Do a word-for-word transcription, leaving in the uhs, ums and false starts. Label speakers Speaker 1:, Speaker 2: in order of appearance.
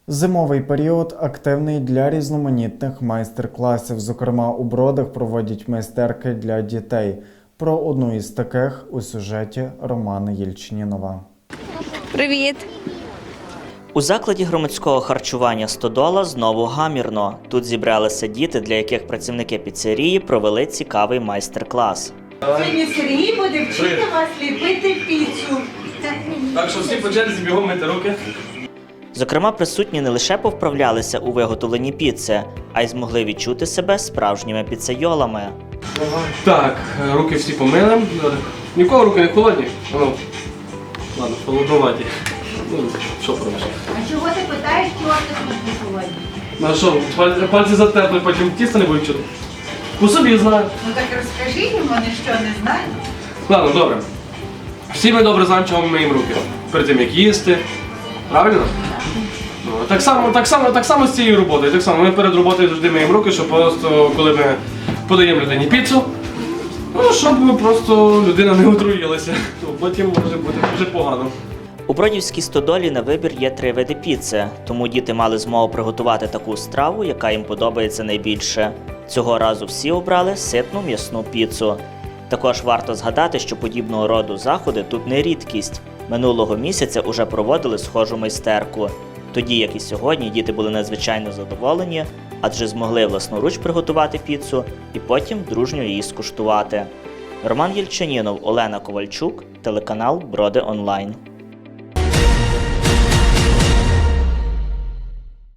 Speaker 1: Зимовий період активний для різноманітних майстер-класів. Зокрема, у Бродах проводять майстерки для дітей. Про одну із таких у сюжеті Романа Єльчинінова.
Speaker 2: Привіт!
Speaker 3: У закладі громадського харчування «Стодола» знову гамірно. Тут зібралися діти, для яких працівники піцерії провели цікавий майстер-клас.
Speaker 4: Сьогодні Сергій буде вчити вас ліпити піцу.
Speaker 5: Так що всі по черзі бігом мити руки.
Speaker 3: Зокрема, присутні не лише повправлялися у виготовленні піци, а й змогли відчути себе справжніми піцейолами.
Speaker 5: Так, руки всі помили. Нікого руки не холодні. Ну, ладно, холодноваті. Ну, що пробиш?
Speaker 4: А чого ти питаєш, чого ти тут не холодні?
Speaker 5: Ну а що, пальці, пальці затерпли, потім тісто не будуть чути? По собі знаю.
Speaker 4: Ну так розкажи їм, вони що, не знають?
Speaker 5: Ладно, добре. Всі ми добре знаємо, чого ми миємо руки. Перед тим, як їсти. Правильно? Ну, так само, так само, так само з цією роботою. Так само ми перед роботою завжди миємо руки, щоб просто, коли ми подаємо людині піцу, ну, щоб просто людина не отруїлася. Ну, потім може бути дуже погано.
Speaker 3: У Бродівській «Стодолі» на вибір є три види піци, тому діти мали змогу приготувати таку страву, яка їм подобається найбільше. Цього разу всі обрали ситну м'ясну піцу. Також варто згадати, що подібного роду заходи тут не рідкість. Минулого місяця уже проводили схожу майстерку. Тоді, як і сьогодні, діти були надзвичайно задоволені, адже змогли власноруч приготувати піцу і потім дружньо її скуштувати. Роман Єльчинінов, Олена Ковальчук, телеканал Броди Онлайн.